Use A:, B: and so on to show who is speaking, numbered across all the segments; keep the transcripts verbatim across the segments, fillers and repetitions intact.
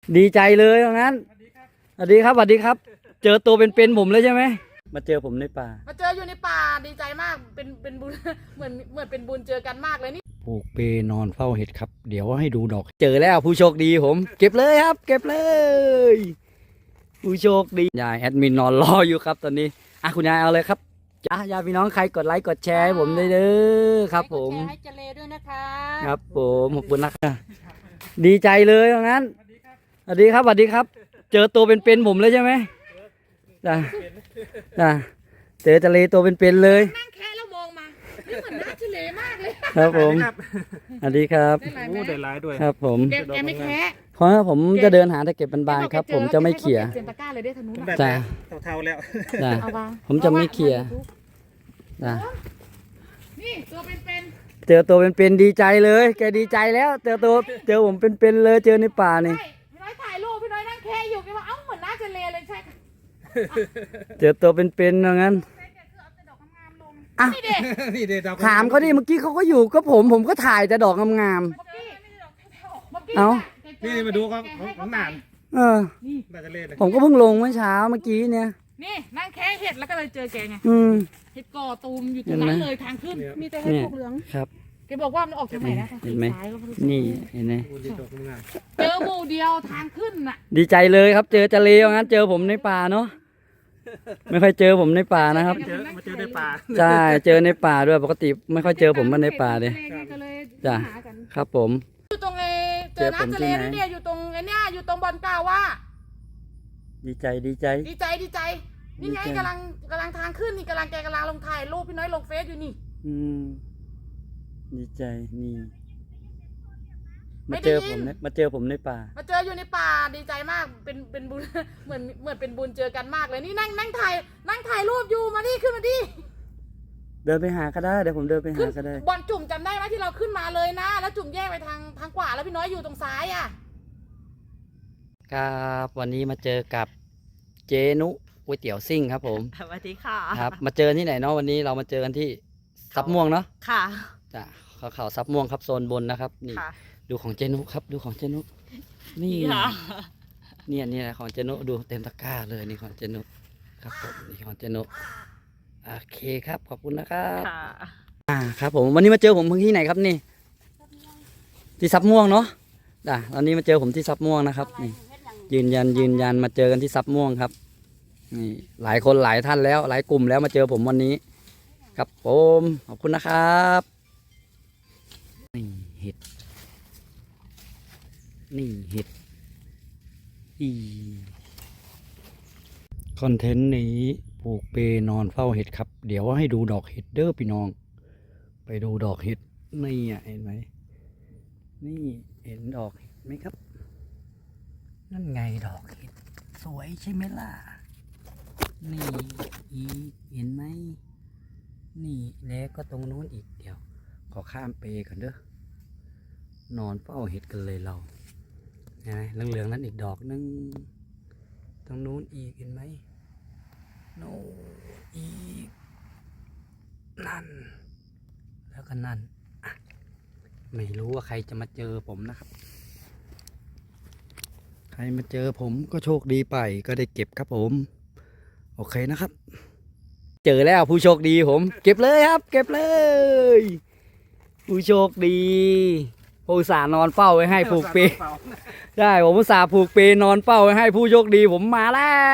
A: ดีใจเลยตรงนั้นสวัสดีครับสวัสดีครับเจอตัวเป็นๆผมเลยใช่ไหมมาเจอผมในป่า
B: มาเจออยู่ในป่าดีใจมากเป็นเป็นบุญ เหมือนเหมือนเป็นบุญเจอกันมากเลยนี่
A: ปลูกเปนอนเฝ้าเห็ดครับเดี๋ยวให้ดูดอกเจอแล้วผู้โชคดีผมเก็บเลยครับเก็บเลยผู้โชคดียายแอดมินนอนรออยู่ครับตอนนี้อ่ะคุณยายเอาเลยครับจ้าญาติพี่น้องใครกดไลค์กดแชร์ให้ผมได้เด้อครับผม
B: ให้เจเลด้วยนะคะ
A: ครับผมขอบคุณนะครับดีใจเลยตรงนั้นสวัสดีครับสวัสดีครับเจอตัวเป็นๆผมเลยใช่ไหมจ้าจ้าเจอทะเลตัวเป็นๆเลย
B: นั่งแค่แล้วมองมานี่เหมือนน้าเจเลมากเลย
A: ครับผมสวัสดีครับ
C: โอ้ได้หลายด้วย
A: ครับผม
B: แกแกไม่แค่
A: เพราะผมจะเดินหาแต่เก็บบานๆครับผมจะไม่เขี่ย
B: เซนตะก้าเลยได้ทะนุ
A: จ้า
C: เท่าๆแล้ว
A: จ้าผมจะไม่เขี่ยจ้า
B: นี่ตัวเป็น
A: เจอตัวเป็นๆดีใจเลยแกดีใจแล้วเจอตัวเจอผมเป็นๆเลยเจอในป่านี่
B: พี่น้อยถ่ายรูปพี่น้อยนั่งแค่อยู่แกว่าเอ้าเหมือนน้าเจเลเลยใช่
A: เจอตัวเป็นๆอย่างนั้นอ่ะถามเขาดิเมื่อกี้เขาก็อยู่ก็ผมผมก็ถ่ายแต่ดอกงามๆเอา
C: นี่มาดูเขาของหนาน
A: เออ
C: น่าจะเล่น
A: ผมก็เพิ่งลงเมื่อเช้าเมื่อกี้เนี่ย
B: นี่นั่งแค่เห็ดแล้วก็เลยเจอแกไง
A: อืม
B: เห็ดก่อตูมอยู่ตรงนั้นเลยทางขึ้นมีแต่เห็ดพวกเหลือง
A: ครับ
B: แกบอกว่ามันออกทางไหนนะ
A: เห็นไหมนี่เห็นไหม
B: เจอหมู่เดียวทางขึ้นน่ะ
A: ดีใจเลยครับเจอจะเลวงั้นเจอผมในป่าเนาะไม่ค่อยเจอผมในป่านะครับ
C: เจอมาเจอในป่า
A: ใช่เจอในป่าด้วยปกติไม่ค่อยเจอผมมาในป่าเลยจ้ะครับผม
B: อยู่ตรงไอ้เจอน้ำทะเลนี่เนี่ยอยู่ตรงไอ้เนี่ยอยู่ตรงบอลกาว่า
A: ดีใจดีใจ
B: ดีใจดีใจนี่ไงกำลังกำลังทางขึ้นนี่กำลังแกกำลังลงถ่ายรูปพี่น้อยลงเฟซอยู่นี่
A: อืมดีใจนี่มาเจอผมมาเจอผมในป่า
B: มาเจออยู่ในป่าดีใจมากเป็นเป็นบุญ เหมือนเหมือนเป็นบุญเจอกันมากเลยนี่นั่งนั่งถ่ายนั่งถ่ายรูปอยู่มาดิขึ้นมาดิ
A: เดินไปหาก็ได้เดี๋ยวผมเดินไปหาก็ได้
B: บอลจุ่มจำได้ไหมที่เราขึ้นมาเลยนะแล้วจุ่มแยกไปทางทางขวาแล้วพี่น้อยอยู่ตรงซ้ายอ่ะ
A: ครับวันนี้มาเจอกับเจนุก๋วยเตี๋ยวซิ่งครับผม
D: สวัสดีค่ะ
A: ครับมาเจอที่ไหนเนาะวันนี้เรามาเจอกันที่ซับม่วงเนาะ
D: ค่ะ
A: จ้ะเขาเขาซับม่วงครับโซนบนนะครับนี่ดูของเจนุครับดูของเจนุนี่เนี่ยนี่แหละของเจนุดูเต็มตะกร้าเลยนี่ของเจนุครับผมนี่ของเจนุโอเคครับขอบคุณนะครับอ่าครับผมวันนี้มาเจอผมที่ไหนครับนี่ที่ซับม่วงเนาะจ้ะตอนนี้มาเจอผมที่ซับม่วงนะครับนี่ยืนยันยืนยันมาเจอกันที่ซับม่วงครับนี่หลายคนหลายท่านแล้วหลายกลุ่มแล้วมาเจอผมวันนี้ครับผมขอบคุณนะครับนี่เห็ดนี่เห็ดอีคอนเทนต์นี้ปลูกเปนอนเฝ้าเห็ดครับเดี๋ยวให้ดูดอกเห็ดเด้อพี่น้องไปดูดอกเห็ดนี่เห็นไหมนี่เห็นดอกเห็ดไหมครับนั่นไงดอกเห็ดสวยใช่ไหมล่ะนี่อีเห็นไหมนี่แล้วก็ตรงโน้นอีกเดี๋ยวขอข้ามเปก่อนเด้อนอนเฝ้าเห็ดกันเลยเราเห็นไหมเหลืองๆนั้นอีกดอกนึงตรงนู้นอีกเห็นไหมโน่อีกนั่นแล้วก็นั่นไม่รู้ว่าใครจะมาเจอผมนะครับใครมาเจอผมก็โชคดีไปก็ได้เก็บครับผมโอเคนะครับเจอแล้วผู้โชคดีผมเก็บเลยครับเก็บเลยผู้โชคดีผู้สานอนเฝ้าไว้ให้ผูกเปใช่ผมผู้สาผูกเปนอนเฝ้าไว้ให้ผู้โชคดีผมมาแล้ว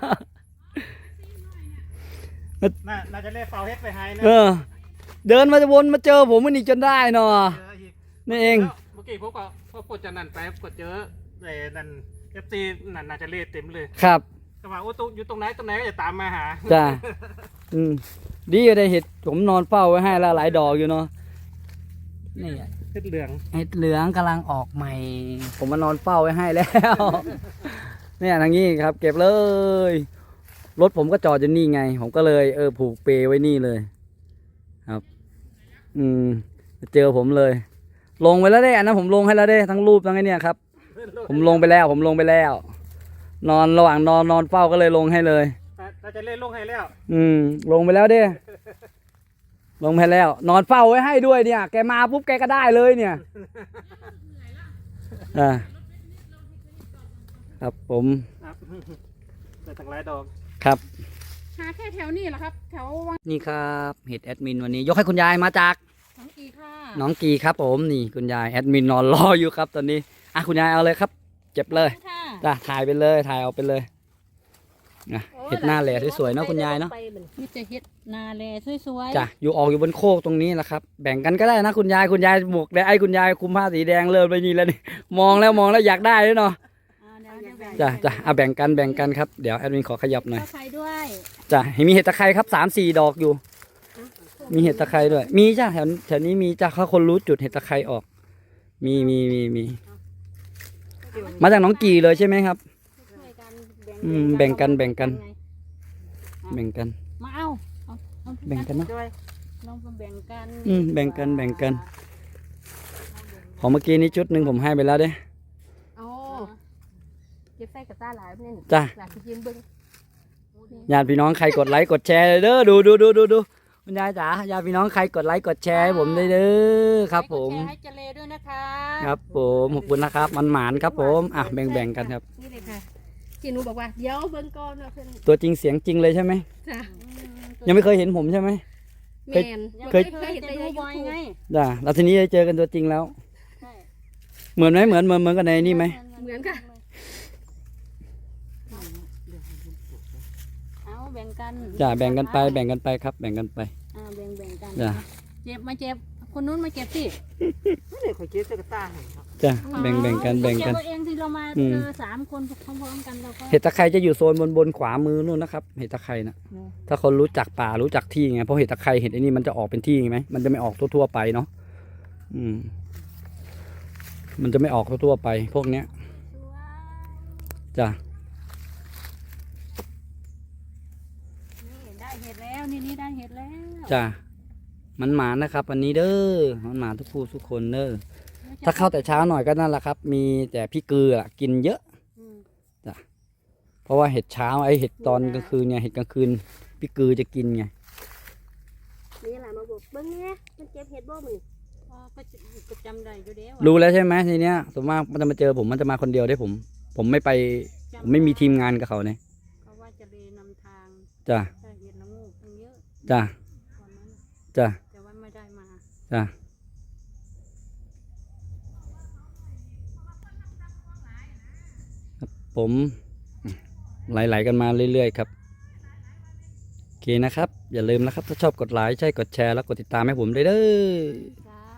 C: น่าจะเล่เฝ้าเฮ็ดไปให้นะ
A: เออเดินมาจะวนมาเจอผมมันอีกจนได้เนาะนี่เอง
C: เมื่อกี้พวกก็พวกกดจะนั่นไปกดเจอแต่นั่นเอฟซีนั่นน่าจะเล่เต็มเลย
A: ครับ
C: ก็ว่าโอ้ตอยู่ตรงไหนตรงไหนก็จะตามมาหา
A: จ้าอืมดีได้เห็ดผมนอนเฝ้าไว้ให้แล้วหลายดอกอยู่เนาะนี่
C: เห็ดเหลือง
A: เห็ดเหลืองกำลังออกใหม่ผมมานอนเฝ้าไว้ให้แล้วเนี่ยทางนี้ครับเก็บเลยรถผมก็จอดอยู่นี่ไงผมก็เลยเออผูกเปไว้นี่เลยครับอืมเจอผมเลยลงไปแล้วได้อันนั้นผมลงให้แล้วได้ทั้งรูปทั้งไอ้นี่ครับผมลงไปแล้วผมลงไปแล้วนอนระหว่างนอนนอนเฝ้าก็เลยลงให้เลย
C: เราจะเล่นลงให้แล้ว
A: อืมลงไปแล้วเด้ลงไปแล้วนอนเฝ้าไว้ให้ด้วยเนี่ยแกมาปุ๊บแกก็ได้เลยเนี่ยอ่าครับผม
C: ครับได้ตั้งหลายดอก
A: ครับ
B: หาแค่แถวนี้เหรอครับ แถววัง
A: นี่ครับเห็ดแอดมินวันนี้ ยกให้คุณยายมาจาก
B: หนองกีค่ะ
A: น้องกีครับผมนี่คุณยายแอดมินนอนรออยู่ครับตอนนี้อ่ะคุณยายเอาเลยครับ เจ็บเลย
B: ค่ะ
A: จ้ะถ่ายไปเลยถ่ายเอาไปเลยนะเห็ดหน้าแหล่สวยๆเนาะคุณยายเนาะ
B: นี่จะเฮ็ดนาแลสวย
A: จ้ะอยู่ออกอยู่บนโคกตรงนี้แหละครับ แบ่งกันก็ได้นะคุณยายคุณยายหมวกแดงไอ้คุณยายคุมผ้าสีแดงเริ่มไปนี่แล้วนี่มองแล้วมองแล้วอยากได้เลยเนาะ
B: ๆ
A: จ้ะจ้ะเอาแบ่งกันแบ่งกันครับเดี๋ยวแอดมินขอขยับหน่อย
B: ข้าวไข่ด้วย
A: จ้ะเห็นมีเห็ดตะไคร้ครับสามสี่ดอกอยู่ มีเห็ดตะไคร้ด้วย มีจ้ะแถวแถวนี้มีจ้ะถ้าคนรู้จุดเห็ดตะไคร้ออก มีมีมีมีมาจากหน้องกี่เลยใช่ไหมครับ
B: ช่วยกัน
A: อืมแบ่งกันแบ่งกัน แบ่งกัน
B: มาเอาเอาเอา
A: แบ่งกันเนาะ
B: ด้วยลองมาแบ่งกัน
A: อืมแบ่งกันแบ่งกัน ของเมื่อกี้นี้ชุดหนึ่งผมให้ไปแล้วเด้
B: โอ้เก็บใส่กระต้าหลายนี่
A: จ้ะ
B: หลายยืนเบิ้ง
A: ญาติพี่น้องใครกดไลค์กดแชร์เด้อดูดูดูดูดูคุณยายจ๋าญาติพี่น้องใครกดไลค์กดแชร์ให้ผมด้วยเด้อครับ ผม
B: แชร์ให้เจเลด้วยนะคะ
A: ครับผมขอบคุณนะครับมันหมานครับผมอ่ะแบ่งแบ่งกันครับ
B: นี่เลยค่ะที่หนูบอกว่าเดี๋ยวเบิ้งก่อนนะเพื่อน
A: ตัวจริงเสียงจริงเลยใช่ไหม
B: จ้ะ
A: ยังไม่เคยเห็นผมใช่ไหม
B: แมน
A: เคย
B: เคยเห็นแต่ในยูทูบ
A: จ้ะแล้วทีนี้ได้เจอกันตัวจริงแล้ว
B: ใช่
A: เหมือนไหมเหมือนเหมือนเหมือนกันในนี่ไหม
B: เหมือนค่ะเอาแบ่งกัน
A: จ้ะแบ่งกันไปแบ่งกันไปครับ แบ่งกันไป
B: อ่าแบ่งแบ่งกัน
A: จ้ะ
B: เจ็บมาเจ็บคนนู้นมาเจ็บสิ
C: ไม่ได้ขอยเก็บเสื้อกระต้าให้ครับ
A: จ้ะแบ่งแบ่งกันแบ่งกัน
B: เจ็บเองที่เรามา
A: อืม
B: เจอสามคนพร้อมๆกันเราก็
A: เห็ดตะไคร้จะอยู่โซนบนบนขวามือนู่นนะครับเห็ดตะไคร้นะถ้าคนรู้จักป่ารู้จักที่ไงเพราะเห็ดตะไคร้เห็ดไอ้นี่มันจะออกเป็นที่ไงไหมมันจะไม่ออกทั่วๆไปเนาะอืม มันจะไม่ออกทั่วๆไป พวกเนี้ยจ้ะ
B: นี่ได้เห็ดแล้วนี่นี่ได้เห็ดแล้ว
A: จ้ะมันหมานะครับวันนี้เด้อมันหมาทุกผู้ทุกคนเด้อถ้าเข้าแต่เช้าหน่อยก็นั่นแหละครับ มีแต่พี่เกลือกินเยอะ
B: อืม
A: เพราะว่าเห็ดเช้าไอเห็ดตอนกลางคืนเนี่ยเห็ดกลางคืนพี่เกลือจะกินไง
D: นี่แหละมาบอกเบิ้งเนี่ยมันเจ็บเห็ดบ่มึง
B: อ๋อก็จะก็จำได้อยู่เด้ว
A: รู้แล้วใช่ไหมทีเนี้ยส่วนมากมันจะมาเจอผมมันจะมาคนเดียวได้ผม ผมไม่ไปผมไม่มีทีมงานกับเขาเนี่ย
B: เพราะว่าจะเลยนำทาง
A: จ้ะ
B: ได้เห็ดละงูตั้งเยอะ
A: จ้ะ
B: วันนั้นน่ะ
A: จ้ะ
B: แต่ว่าไม่ได้มา
A: จ้ะผมไหลๆกันมาเรื่อยๆครับโอเคนะครับ อย่าลืมนะครับ ถ้าชอบกดไลค์ใช่กดแชร์แล้วกดติดตามให้ผมด้วยเด้อ
B: จ้า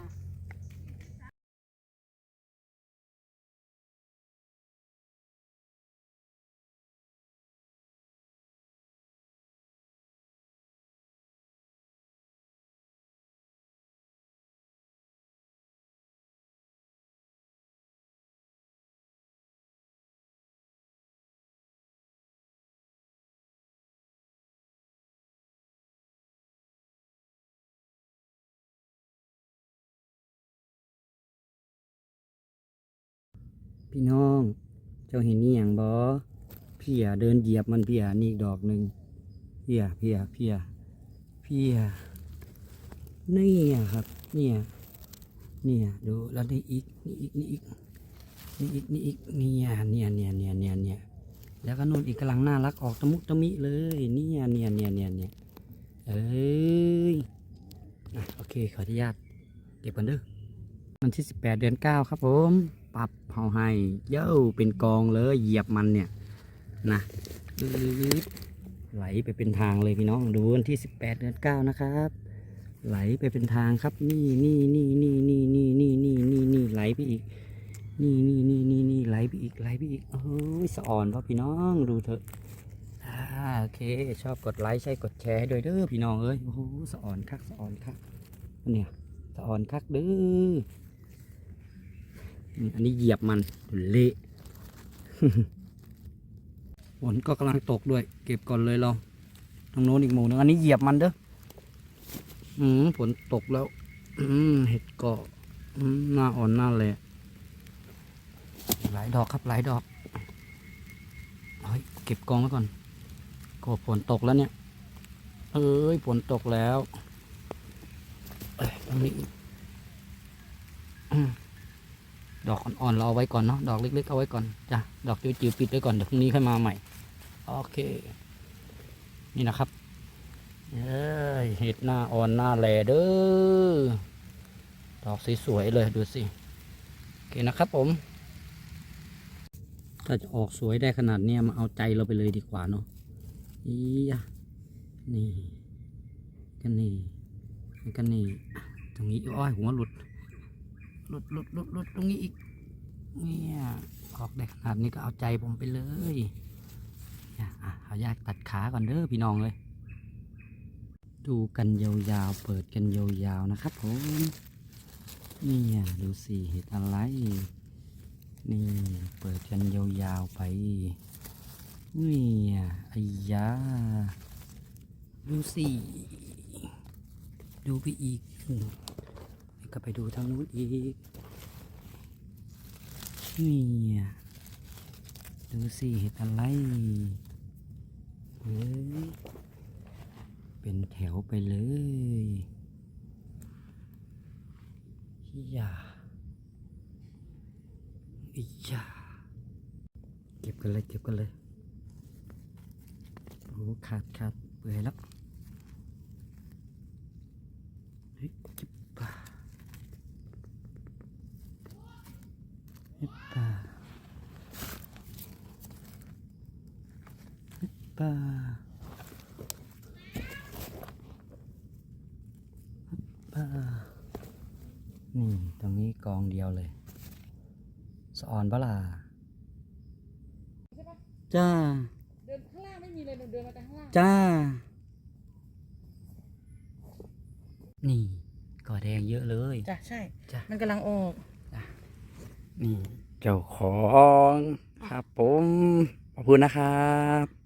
A: พี่น้องเจ้าเห็นนี่อย่างบอพี่อ่ะเดินเหยียบมันพี่อ่ะนี่อีกดอกหนึ่งพี่อ่ะพี่อ่ะพี่อ่ะพี่อ่ะนี่อ่ะครับเนี่ยเนี่ยดูแล้วนี่อีกนี่อีกนี่อีกนี่อีกนี่อีกเนี่ยเนี่ยเนี่ยเนี่ยเนี่ยเนี่ยแล้วก็นู่นอีกกำลังน่ารักออกตะมุตะมิเลยเนี่ยเนี่ยเนี่ยเนี่ยเนี่ยเอ้ยอ่ะโอเคขออนุญาตเก็บกันเด้อวันที่สิบแปดเดือนเก้าครับผมปรับเผาให้เย้าเป็นกองเลยเหยียบมันเนี่ยนะไหลไปเป็นทางเลยพี่น้องดูวันที่สิบแปดเดือนเก้านะครับไหลไปเป็นทางครับนี่นี่นี่นี่นี่นี่นี่นี่นี่นี่ไหลไปอีกนี่นี่นี่นี่นี่ไหลไปอีกไหลไปอีกโอ้ยสะอ่อนเพราะพี่น้องดูเถอะอ่าโอเคชอบกดไลค์ใช่กดแชร์ให้ด้วยเด้อพี่น้องเอ้ยโอ้โหสะอ่อนคักสะอ่อนคักเนี่ยสะอ่อนคักเด้ออันนี้เหยียบมันเละ ฝนก็กำลังตกด้วย เก็บก่อนเลยเราตรงโน้นอีกหมู่นึงอันนี้เหยียบมันเด้ออืมฝนตกแล้ว อืมเห็ดเกาะอืมหน้าอ่อนหน้าแหละหลายดอกครับหลายดอกเฮ้ยเก็บกองไว้ก่อนก็ฝนตกแล้วเนี่ยเอ้ยฝนตกแล้วเอ้ยตรงนี้อืมดอกอ่อนๆเราเอาไว้ก่อนเนาะดอกเล็กๆเอาไว้ก่อนจ้ะดอกจิ๋วๆปิดไว้ก่อนเดี๋ยวพรุ่งนี้ค่อยมาใหม่โอเคนี่นะครับเอ้ยเห็ดหน้าอ่อนหน้าแหล่เด้อดอกสวยๆเลยดูสิโอเคนะครับผมถ้าจะออกสวยได้ขนาดเนี้ยมาเอาใจเราไปเลยดีกว่าเนาะอีอะนี่กันนี่กันนี่ตรงนี้อ้อยหัวหลุดหลุดหลุดหลุดหลุดตรงนี้อีกเนี่ยออกได้ขนาดนี้ก็เอาใจผมไปเลยเนี่ยอ่ะเอายากตัดขาก่อนเด้อพี่น้องเลยดูกันยาวๆเปิดกันยาวๆนะครับผมเนี่ยดูสิเห็ดอะไรนี่เปิดกันยาวๆไปนี่ไอ้ยาดูสิดูไปอีกก็ไปดูทางนู้นอีกนี่ดูสิเห็ดอะไรเฮ้ยเป็นแถวไปเลยอย่าอีอย่าเก็บกันเลยเก็บกันเลยโอ้ขาดขาดเปื่อยแล้วเฮ้ยจิบป่าเฮ้ยป่าเฮ้ยป่าป่านี่ตรงนี้กองเดียวเลยสะออนปะล่ะ
B: ใช่ปะ
A: จ้า
B: เดินข้างล่างไม่มีเลยเดินมาแต่ข้างล่าง
A: จ้า นี่ก่อแดงเยอะเลย
B: จ้ะใช่
A: จ้ะ
B: มันกำลังออก
A: นี่เจ้าของครับผม ขอบคุณนะครับ